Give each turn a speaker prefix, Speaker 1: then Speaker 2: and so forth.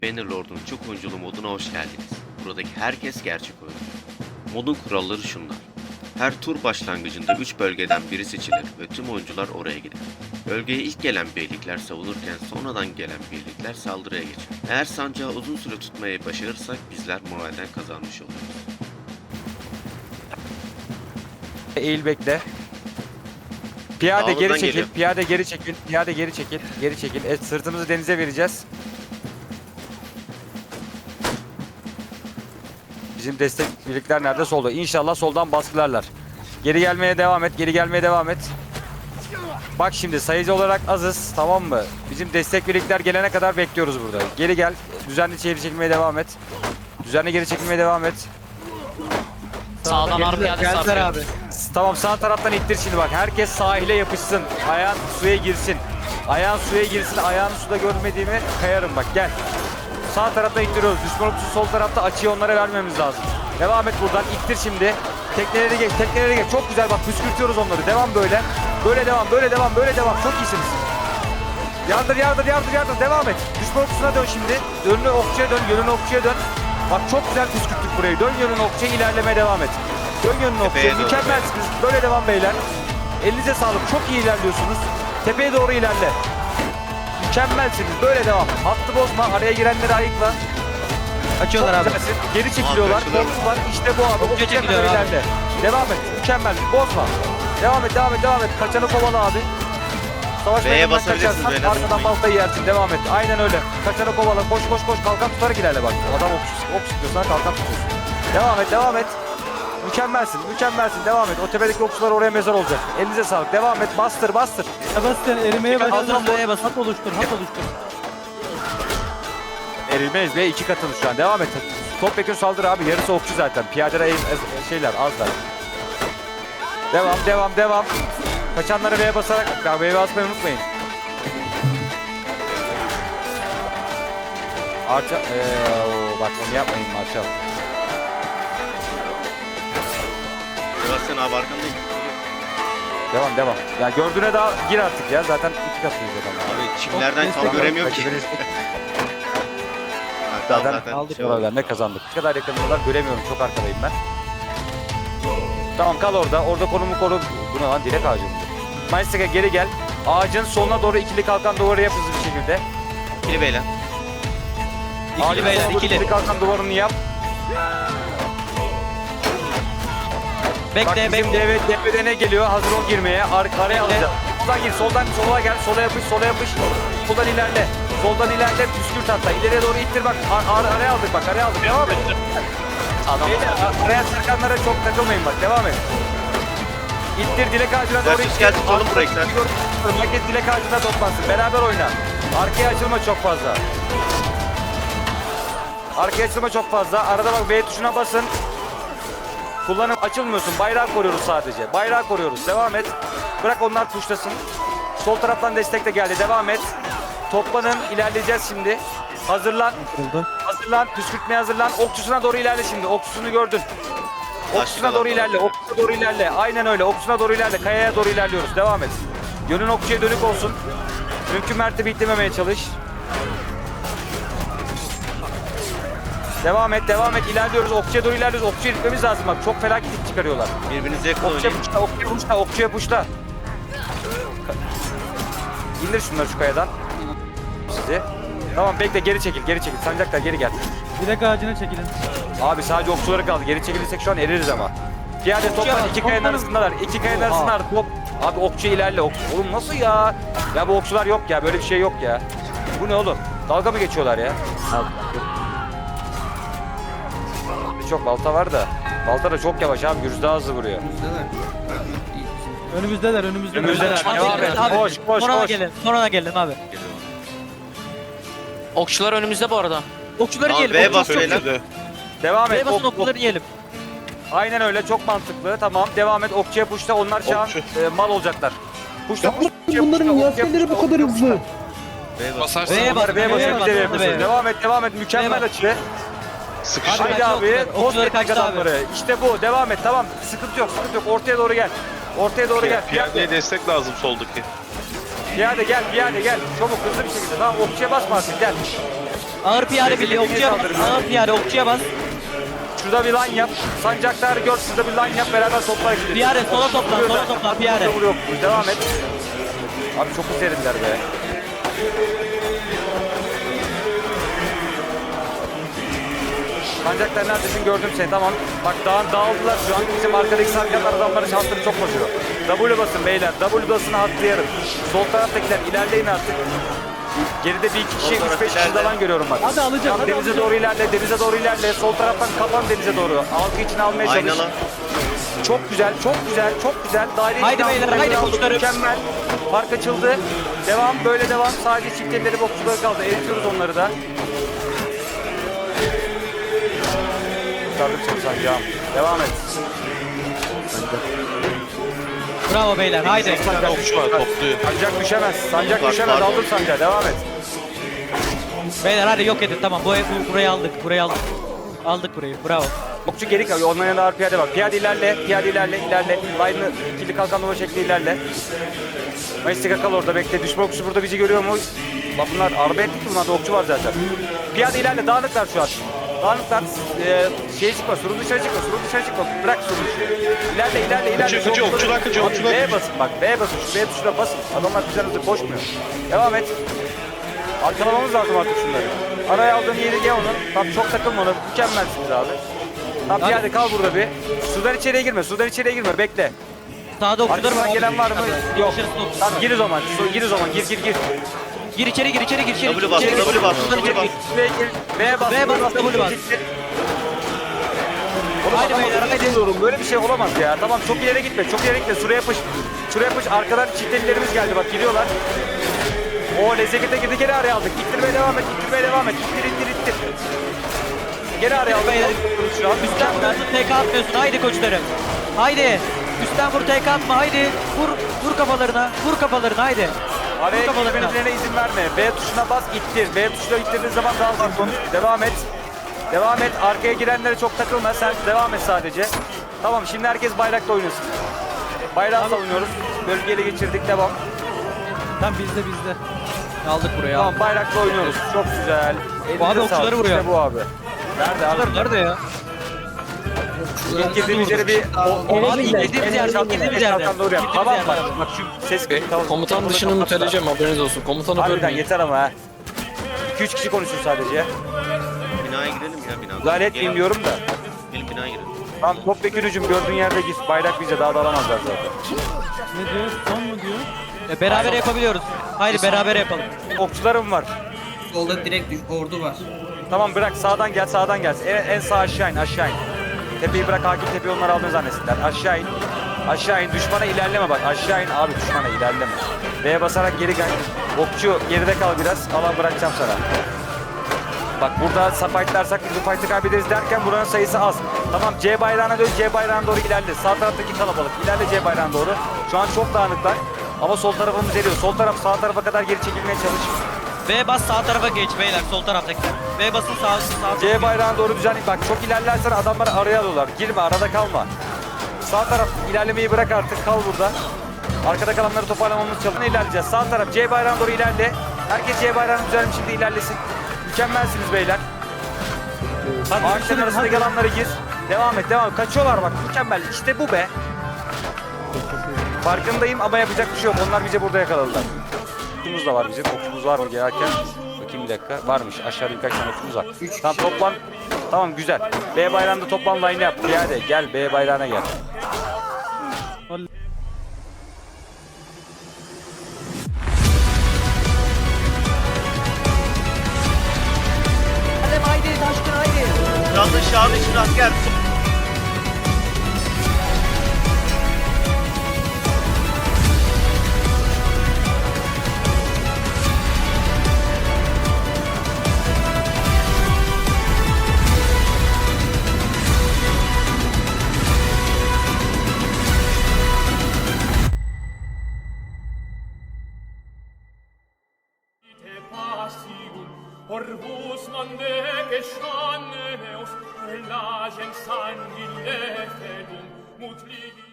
Speaker 1: Bannerlord'un çok oyunculu moduna hoş geldiniz. Buradaki herkes gerçek oyuncu. Modun kuralları şunlar. Her tur başlangıcında 3 bölgeden biri seçilir ve tüm oyuncular oraya gider. Bölgeye ilk gelen birlikler savunurken sonradan gelen birlikler saldırıya geçer. Eğer sancağı uzun süre tutmayı başarırsak bizler moralden kazanmış oluruz.
Speaker 2: Eğil bekle. Piyade
Speaker 1: Dağlardan
Speaker 2: geri çekil,
Speaker 1: geliyor.
Speaker 2: piyade geri çekil, piyade geri çekil, geri çekil. Sırtımızı denize vereceğiz. Bizim destek birlikler nerede? Solda. İnşallah soldan baskılarlar. Geri gelmeye devam et, geri gelmeye devam et. Bak şimdi sayıcı olarak azız, tamam mı? Bizim destek birlikler gelene kadar bekliyoruz burada. Geri gel, düzenli geri çekilmeye devam et. Düzenli geri çekilmeye devam et.
Speaker 3: Sağdan harbi geldi sarıyor.
Speaker 4: abi.
Speaker 2: Tamam, sağ taraftan ittir şimdi bak. Herkes sahile yapışsın. Ayağın suya girsin. Ayağın suya girsin. Ayağını suda görmediğimi kayarım bak, gel. Sağ taraftan ittiriyoruz. Düşman okçusu sol tarafta, açıyı onlara vermemiz lazım. Devam et buradan, ittir şimdi. Tekneleri geç, tekneleri geç. Çok güzel bak, püskürtüyoruz onları. Devam böyle. Böyle devam, böyle devam, böyle devam. Çok iyisiniz. Yardır, yardır, yardır, yardır. Devam et. Düşman okçusuna dön şimdi. Önüne okçuya dön, yönüne okçuya dön. Bak çok güzel püskürttük burayı. Dön yönüne okçuya, ilerlemeye devam et. Dön yönüne okçuya.
Speaker 1: Tepeye doğru.
Speaker 2: Mükemmelsiniz. Böyle devam beyler. Elinize sağlık. Çok iyi ilerliyorsunuz. Tepeye doğru ilerle. Mükemmelsiniz. Böyle devam. Hattı bozma. Araya girenleri ayıkla.
Speaker 4: Açıyorlar
Speaker 2: Çok
Speaker 4: abi.
Speaker 2: güzelsin. Geri çekiliyorlar.
Speaker 1: Abi, kaçıyorlar.
Speaker 2: Korkular. İşte bu abi.
Speaker 4: Okçuya
Speaker 2: Okçuya
Speaker 4: çekiliyor
Speaker 2: kadar
Speaker 4: abi.
Speaker 2: ilerle. Devam et. Mükemmel. Bozma. Devam et, devam et, devam et. Kaçanı kovala abi. Savaş
Speaker 1: V'ye
Speaker 2: meydanından
Speaker 1: basabilirsiniz,
Speaker 2: kaçarsan
Speaker 1: beyler,
Speaker 2: arkadan
Speaker 1: unutmayın.
Speaker 2: baltayı yersin. Devam et. Aynen öyle. Kaçanı kovala. Koş koş koş. Kalkan tutarak ilerle bak. Adam ok sıkıyorsan kalkan tutuyorsun. Devam et, devam et. Mükemmelsin, mükemmelsin. Devam et. O tepedeki okçular oraya mezar olacak. Elinize sağlık. Devam et. Bastır, bastır.
Speaker 4: Sebastian erimeye
Speaker 2: Hazır
Speaker 4: başladı.
Speaker 2: ol.
Speaker 4: B'ye bas. Hat oluştur. Hat oluştur.
Speaker 2: Erilmeyiz be. 2 katımız şu an. Devam et. Topyekun saldır abi. Yarısı okçu zaten. Piyadeler şeyler azlar. Devam, devam, devam. Kaçanları V'ye basarak, V'ye basmayı unutmayın. Arça, bak onu yapmayın Marşal.
Speaker 1: Sebastian abi arkandayım.
Speaker 2: Devam, devam. Ya gördüğüne daha gir artık ya. Zaten 2 katıyız adam.
Speaker 1: Abi çimlerden tam göremiyorum ki. Hatta zaten
Speaker 4: aldık
Speaker 1: şey oldu.
Speaker 2: Oralar ne kazandık? Ne kadar yakınıyorlar göremiyorum. Çok arkadayım ben. Tamam, kal orada. Orada konumu koru. Bu ne lan? Dilek ağacı mı? Maestega geri gel. Ağacın soluna doğru ikili kalkan duvarı yap hızlı bir şekilde.
Speaker 1: İkili beyler.
Speaker 2: Ağacın
Speaker 4: beyler,
Speaker 2: soluna doğru
Speaker 4: ikili.
Speaker 2: kalkan duvarını yap. Bak
Speaker 4: Bekle,
Speaker 2: bizim
Speaker 4: bekle.
Speaker 2: DB'de ne geliyor? Hazır ol girmeye. Araya
Speaker 4: Bekle.
Speaker 2: alacağız. Soldan gir. Soldan sola gel. Sola yapış. Sola yapış. Soldan ilerle. Soldan ilerle. Püskürt hatta. İleriye doğru ittir bak. Araya aldık bak. Araya aldık. Devam et. Beyler araya sarkanlara çok takılmayın bak. Devam et. İttir dilek ağacına doğru
Speaker 1: Versus
Speaker 2: ittir.
Speaker 1: gel, tutalım burayı sen.
Speaker 2: Herkes dilek ağacına toplansın. Beraber oyna. Arkaya açılma çok fazla. Arkaya açılma çok fazla. Arada bak V tuşuna basın. Kullanıp açılmıyorsun. Bayrağı koruyoruz sadece. Bayrağı koruyoruz. Devam et. Bırak onlar tuşlasın. Sol taraftan destek de geldi. Devam et. Toplanın. İlerleyeceğiz şimdi. Hazırlan. Hazırlan. Püskürtmeye hazırlan. Okçusuna doğru ilerle şimdi. Okçusunu gördün. Okçusuna doğru ilerle. Okçusuna doğru ilerle. Aynen öyle. Okçusuna doğru ilerle. Kayaya doğru ilerliyoruz. Devam et. Yönün okçuya dönük olsun. Mümkün mertebe itlememeye çalış. Devam et, devam et. İlerliyoruz. Okçuya doğru ilerliyoruz. Okçuya gitmemiz lazım bak. Çok felaket it çıkarıyorlar.
Speaker 1: Birbirinize yakın
Speaker 2: Okçuya
Speaker 1: oynayın.
Speaker 2: puşla, okçuya puşla, okçuya puşla. İndir şunları şu kayadan. Sizi. Tamam bekle, geri çekil, geri çekil. Sancaklar geri gel.
Speaker 4: Direk ağacına çekilin.
Speaker 2: Abi sadece okçuları kaldı. Geri çekilirsek şu an eririz ama. Piyade toplar. İki kayanın arasındalar. İki kayanın arasındalar. Top. Abi okçuya ilerle. Oğlum nasıl ya? Ya bu okçular yok ya. Böyle bir şey yok ya. Bu ne oğlum? Dalga mı geçiyorlar ya? Çok balta var da. Balta da çok yavaş abi. Gürüz daha hızlı vuruyor.
Speaker 4: Önümüzdeler, önümüzdeler.
Speaker 2: Önümüzdeler. Devam et.
Speaker 4: Abi,
Speaker 2: Koş, koş,
Speaker 4: sonra
Speaker 2: koş.
Speaker 4: gelin, sonra gelin abi.
Speaker 3: Okçular önümüzde bu arada.
Speaker 4: Okçuları
Speaker 1: Tamam,
Speaker 4: yiyelim.
Speaker 1: B'ye bas
Speaker 4: okçuları
Speaker 1: beyler.
Speaker 2: Devam et.
Speaker 4: B'ye basın
Speaker 2: Ok, ok.
Speaker 4: okçuları yiyelim.
Speaker 2: Aynen öyle. Çok mantıklı. Tamam. Devam et. Okçuya puşla. Onlar şu an mal olacaklar. Puşla, puşla.
Speaker 5: Bunların yaskeleri bu kadar hızlı.
Speaker 1: Basarsın.
Speaker 4: B'ye bas,
Speaker 2: B'ye
Speaker 4: B'ye bas,
Speaker 2: basın.
Speaker 4: B'ye bas.
Speaker 2: Devam et. Devam et. Mükemmel
Speaker 4: B'ye bas.
Speaker 2: açı.
Speaker 1: Sıkışın.
Speaker 2: Haydi
Speaker 4: Kaçtı
Speaker 2: abi.
Speaker 4: okçular,
Speaker 2: Toz
Speaker 4: okçuları
Speaker 2: teknik
Speaker 4: kaçtı abi.
Speaker 2: adamları. İşte bu. Devam et. Tamam. Sıkıntı yok. Sıkıntı yok. Ortaya doğru gel. Ortaya doğru gel.
Speaker 6: Piyadeye destek lazım soldaki.
Speaker 2: Piyade gel. Piyade gel. Çabuk hızlı bir şekilde. Tamam. Okçuya basma artık. Gel.
Speaker 4: Ağır piyade birliği
Speaker 2: Desteklemeye
Speaker 4: okçuya bas.
Speaker 2: saldırın.
Speaker 4: Ağır piyade okçuya bas.
Speaker 2: Şurada bir line yap. Sancaklar gör. Şurada bir line yap. Beraber toplar gidelim.
Speaker 4: Piyade sola toplan,
Speaker 2: Vuruyor
Speaker 4: sola
Speaker 2: zaten.
Speaker 4: toplan, piyade.
Speaker 2: Vuruyor. Devam et. Abi çok üzerindiler be. Sancaklar neredesin gördüm seni tamam. Bak dağıldılar şu an. Bizim arkadaki sancaklar adamların şansları çok basıyor. W basın beyler. W basını atlayarım. Sol taraftakiler ilerleyin artık. Geride bir iki kişi,
Speaker 1: Sol taraf
Speaker 2: 3-5 kişi
Speaker 1: ilerle.
Speaker 2: falan görüyorum bak.
Speaker 4: Hadi alacağım,
Speaker 2: Tamam,
Speaker 4: hadi
Speaker 2: denize
Speaker 4: alacağım.
Speaker 2: doğru ilerle, denize doğru ilerle. Sol taraftan kapan denize doğru. Halkı için almaya çalış.
Speaker 1: Aynalı.
Speaker 2: Çok güzel, çok güzel, çok güzel. Daire
Speaker 4: Haydi
Speaker 2: içine
Speaker 4: beyler,
Speaker 2: aldık,
Speaker 4: haydi
Speaker 2: aldık.
Speaker 4: koçlarım.
Speaker 2: Mükemmel. Fark açıldı. Devam, böyle devam. Sadece çift elleri bokçuları kaldı. Eritiyoruz onları da. Kurtardık seni sancağım. Devam et.
Speaker 4: Bravo beyler haydi.
Speaker 6: Okçu var topluyor.
Speaker 2: Sancak düşemez. Sancak
Speaker 1: Bak,
Speaker 2: düşemez.
Speaker 1: pardon.
Speaker 2: Aldım sancağı. Devam et.
Speaker 4: Beyler hadi yok edin tamam burayı aldık. Burayı aldık. Aldık burayı bravo.
Speaker 2: Bokçu geri kalıyor. Onların yanında ağır piyade var. Piyade ilerle. Piyade ilerle. İlerle. Line'ı ikili kalkan nova şekli ilerle. Mayıstika kal orada bekle. Düşman okçusu burada bizi görüyor mu? Bak bunlar araba ettik ki bunlarda okçu var zaten. Piyade ilerle. Dağınıklar şu an. Dağınıklar. Şeye çıkma. Surun dışarı çıkma. Surun dışarı çıkma. Bırak surun dışarı. İlerle ilerle ilerle.
Speaker 6: Kaçıyor, kaçıyor, okçular kaçıyor,
Speaker 2: Abi,
Speaker 6: okçular
Speaker 2: B'ye
Speaker 6: kaçıyor.
Speaker 2: basın bak. B'ye basın. Şu B tuşuna basın. Adamlar bizden hızlı koşmuyor. Devam et. Arkalamamız lazım artık şunları. Araya aldığın yeri ye onun. Tam çok takılma ona. Mükemmelsiniz abi. Tamam piyade kal burada bir. Sudan içeriye girme. Sudan içeriye girme. Bekle.
Speaker 4: Sağda okçular
Speaker 2: Arkadan gelen var mı? Yok.
Speaker 4: Dışarısı okçular.
Speaker 2: Tamam gir o zaman. Gir o zaman. Gir.
Speaker 4: Gir içeri gir içeri.
Speaker 1: W bas, W bas, W bas.
Speaker 2: Şuraya gir. B'ye bas.
Speaker 4: B'ye bas, W bas.
Speaker 2: Oğlum
Speaker 4: Haydi
Speaker 2: adamı
Speaker 4: beyler, haydi.
Speaker 2: tutuyorum. Böyle bir şey olamaz ya. Tamam çok ileri gitme. Çok ileri gitme. Şuraya yapış. Şuraya yapış. Arkadan çiftelilerimiz geldi. Bak gidiyorlar. O lezzetine girdi. Geri araya aldık. İttirmeye devam et. İttirmeye devam et. İttir. Geri araya aldık.
Speaker 4: beyler.
Speaker 2: Şu an
Speaker 4: Üstten vuruyorsun TK atmıyorsun haydi koçlarım. Haydi. Üstten vur TK atma haydi. Vur kafalarına. Vur kafalarına haydi.
Speaker 2: araya
Speaker 4: Vur kafalarına.
Speaker 2: gitmelerine izin verme. B tuşuna bas. İttir. B tuşuna ittirdiğin zaman daha hızlı konuş. Devam et. Devam et. Arkaya girenlere çok takılma. Sen devam et sadece. Tamam şimdi herkes bayrakla oynasın. Bayrağı savunuyoruz. Bölgeyle geçirdik. Devam.
Speaker 4: Tamam bizde. Aldık burayı
Speaker 2: Tamam
Speaker 4: aldık.
Speaker 2: bayrakla oynuyoruz. Çok güzel.
Speaker 4: Bu abi
Speaker 2: Elinize
Speaker 4: okçuları
Speaker 2: sağlık.
Speaker 4: vuruyor.
Speaker 2: İşte bu abi. Nerede abi?
Speaker 4: Nerede ya?
Speaker 2: İlk girdiğimiz yere bir...
Speaker 4: Abi ilk girdiğimiz yerde.
Speaker 2: Doğru yap. Tamam bak. Bak şu ses... Tamam.
Speaker 6: Komutan dışını müteleyeceğim haberiniz olsun. Komutanı
Speaker 2: Harbiden
Speaker 6: bölmeyin.
Speaker 2: yeter ama ha. 2-3 kişi konuşuyor sadece.
Speaker 1: Binaya girelim ya binaya.
Speaker 2: Müdahale etmeyeyim diyorum da.
Speaker 1: Gelin binaya girelim.
Speaker 2: Tamam topbekir hücum gördüğün yerde git. Bayrak bize daha da alamazlar zaten.
Speaker 4: Ne diyor? Son mu diyor? Beraber yapabiliyoruz. Haydi beraber yapalım.
Speaker 2: Okçularım var.
Speaker 7: Solda direkt ordu var.
Speaker 2: Tamam bırak sağdan gel sağdan gel. En sağ aşağı in aşağı in. Tepeyi bırak hakim tepeyi onlar aldığını zannetsinler. Aşağı in. Aşağı in. Düşmana ilerleme bak. Aşağı in abi düşmana ilerleme. B'ye basarak geri gel. Okçu geride kal biraz. Alan bırakacağım sana. Bak burada fightlarsak biz bu fight'ı kaybederiz derken buranın sayısı az. Tamam C bayrağına dön. C bayrağına doğru ilerle. Sağ taraftaki kalabalık. İlerle C bayrağına doğru. Şu an çok dağınıklar. Ama sol tarafımız eriyor. Sol taraf sağ tarafa kadar geri çekilmeye çalış.
Speaker 4: V bas sağ tarafa geç beyler sol taraftakiler. V basın sağ.
Speaker 2: C bayrağına doğru düzenli. Bak çok ilerlersen adamları araya alıyorlar. Girme arada kalma. Sağ taraf ilerlemeyi bırak artık kal burada. Arkada kalanları toparlamamız çalışın. İlerleyeceğiz. Sağ taraf C bayrağına doğru ilerle. Herkes C bayrağını düzenli şimdi ilerlesin. Mükemmelsiniz beyler. Ağaçların arasındaki alanlara gir. Devam et devam et. Kaçıyorlar bak mükemmel. İşte bu be. Farkındayım ama yapacak bir şey yok. Onlar bizi burada yakaladılar. Okçumuz da var bizim. Okçumuz var mı gelirken? Bakayım bir dakika. Varmış. Aşağıda birkaç tane okçumuz var. Tamam toplan. Tamam güzel. B bayrağında toplan line yap. Piyade gel B bayrağına gel.
Speaker 1: Kralın şahı için asker.
Speaker 8: Orbus non dege scanneus, relagens sanguine fedum, mut ligi